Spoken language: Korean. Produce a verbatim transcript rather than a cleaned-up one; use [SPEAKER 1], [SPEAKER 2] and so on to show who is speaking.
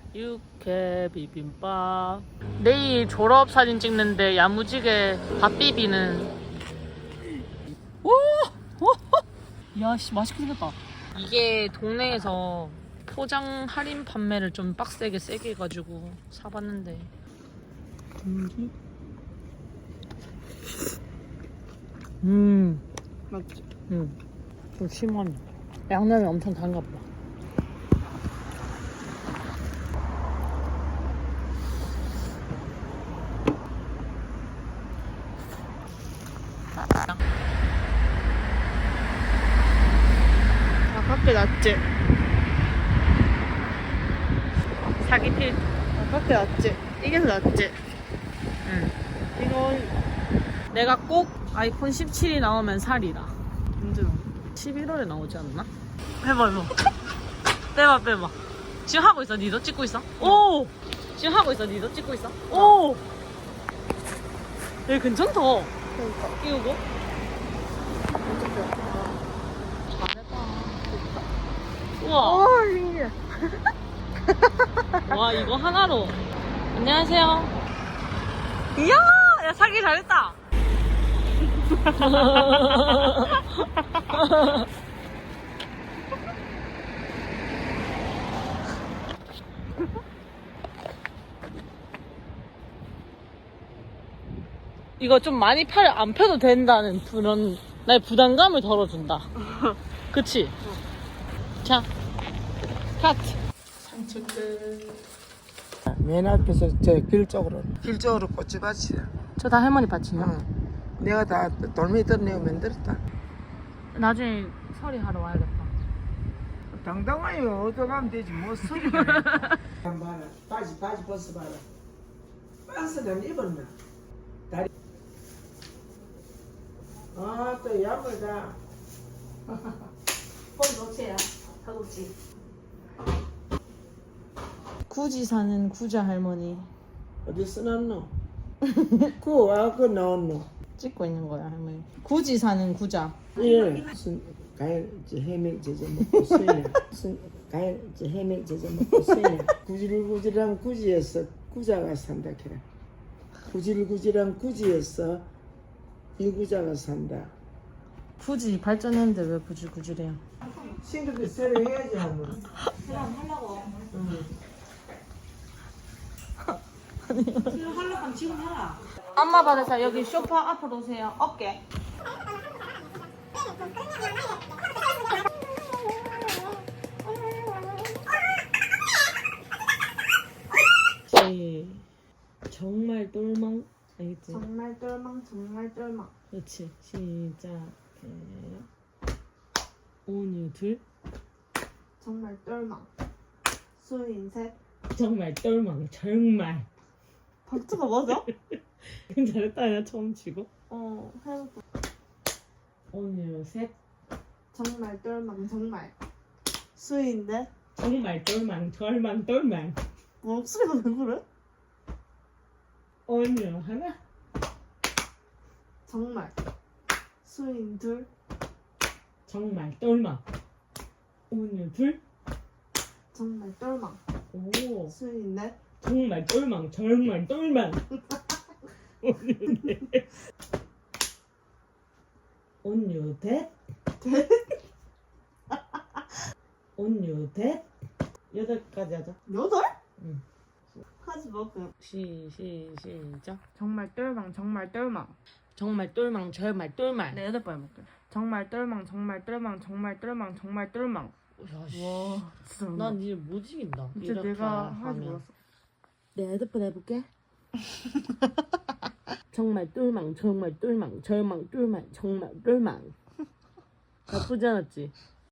[SPEAKER 1] 육회 비빔밥. 내일 졸업 사진 찍는데 야무지게 밥 비비는. 오! 야씨 맛있게 생겼다. 이게 동네에서 포장 할인 판매를 좀 빡세게 세게 해가지고 사봤는데. 음. 음.
[SPEAKER 2] 맞지?
[SPEAKER 1] 응. 좀 심하네. 양념이 엄청 단가 보다.
[SPEAKER 2] 아깝게 낫지?
[SPEAKER 1] 사기 필.
[SPEAKER 2] 아깝게 낫지? 이게 더 낫지?
[SPEAKER 1] 응.
[SPEAKER 2] 이건
[SPEAKER 1] 내가 꼭 아이폰 십칠이 나오면 살이다.
[SPEAKER 2] 언제 나와?
[SPEAKER 1] 십일월에 나오지 않나? 해봐 해봐. 빼봐 빼봐. 지금 하고 있어. 니도 찍고 있어? 오. 지금 하고 있어. 니도 찍고 있어? 오. 얘 괜찮다.
[SPEAKER 2] 그러니까
[SPEAKER 1] 끼우고. 우와.
[SPEAKER 2] 오 신기해.
[SPEAKER 1] 와 이거 하나로. 안녕하세요. 이야, 야 사기 잘했다. 이거 좀 많이 팔 안 펴도 된다는 그런 나의 부담감을 덜어준다. 그치? 자, 카트. 산책 끝.
[SPEAKER 3] 맨 앞에서 저 길 쪽으로 길 쪽으로 꽃집밭이야.
[SPEAKER 1] 저 다 할머니 밭이요?
[SPEAKER 3] 응. 내가 다 돌멩이 내가 만들었다.
[SPEAKER 1] 나중에 서리 하러 와야겠다.
[SPEAKER 3] 당당하요. 어디 가면 되지 뭐 소리가. 봐라 바지 바지 벗어봐라. 박스는 입었나? 다리. 아또 야물다.
[SPEAKER 1] 뻔 좋지야. 사고치. 굳이 사는 구자 할머니
[SPEAKER 3] 어디 써놨노? 그거 와그 나왔노?
[SPEAKER 1] 찍고 있는 거야 할머니. 굳이 사는 구자.
[SPEAKER 3] 예. 무슨 가일 이제 해밀 제제 먹고 쓰이네. 무슨 가일 이제 해밀 제제 먹고 쓰이네. 구질구질한 구지에서 구자가 산다 캐라. 구질구질한 구지에서 일구자가 산다.
[SPEAKER 1] 굳이 발전했는데 왜 구질구질해요?
[SPEAKER 3] 친구들 새로 해야지 하면.
[SPEAKER 1] 그럼 하려고.
[SPEAKER 3] 응.
[SPEAKER 1] 하려고 지금 해라. 안마 받으세요. 여기 소파 앞으로 오세요. 어깨. 네. 정말 똘망 알겠지?
[SPEAKER 2] 정말 똘망 정말 똘망.
[SPEAKER 1] 그렇지. 시작해요. 오늘 둘.
[SPEAKER 2] 정말 똘망. 수인 셋.
[SPEAKER 1] 정말 똘망. 정말.
[SPEAKER 2] 박자가 맞아?
[SPEAKER 1] 잘했다. 나 처음 치고.
[SPEAKER 2] 어 해볼게.
[SPEAKER 1] 오늘 셋.
[SPEAKER 2] 정말 똘망 정말. 수인 넷.
[SPEAKER 1] 정말 똘망. 절망 똘망.
[SPEAKER 2] 목소리가 왜 그래?
[SPEAKER 1] 오늘 하나.
[SPEAKER 2] 정말. 수인 둘.
[SPEAKER 1] 정말 똘망. 오늘 둘.
[SPEAKER 2] 정말 똘망.
[SPEAKER 1] 오.
[SPEAKER 2] 수인 넷.
[SPEAKER 1] 정말 똘망. 정말 똘망. 오늘 넷. 온유 댓. 온유 댓. 여덟까지 하자.
[SPEAKER 2] 여덟?
[SPEAKER 1] 응.
[SPEAKER 2] 하지 마 그냥.
[SPEAKER 1] 시, 시, 시작.
[SPEAKER 2] 정말 똘망 정말 똘망.
[SPEAKER 1] 정말 똘망. 정말 똘망.
[SPEAKER 2] 네 여덟 번 해볼게. 정말 똘망 정말 똘망 정말 똘망 정말 똘망.
[SPEAKER 1] 야, 씨.
[SPEAKER 2] 와 진짜
[SPEAKER 1] 난 이제 못 이긴다.
[SPEAKER 2] 진짜
[SPEAKER 1] 이렇게
[SPEAKER 2] 내가 하지
[SPEAKER 1] 하면.
[SPEAKER 2] 몰랐어.
[SPEAKER 1] 내 헤드폰 해볼게. 정말 똘망, 정말 똘망, 절망, 똘망, 정말 똘망. 나쁘지 않았지?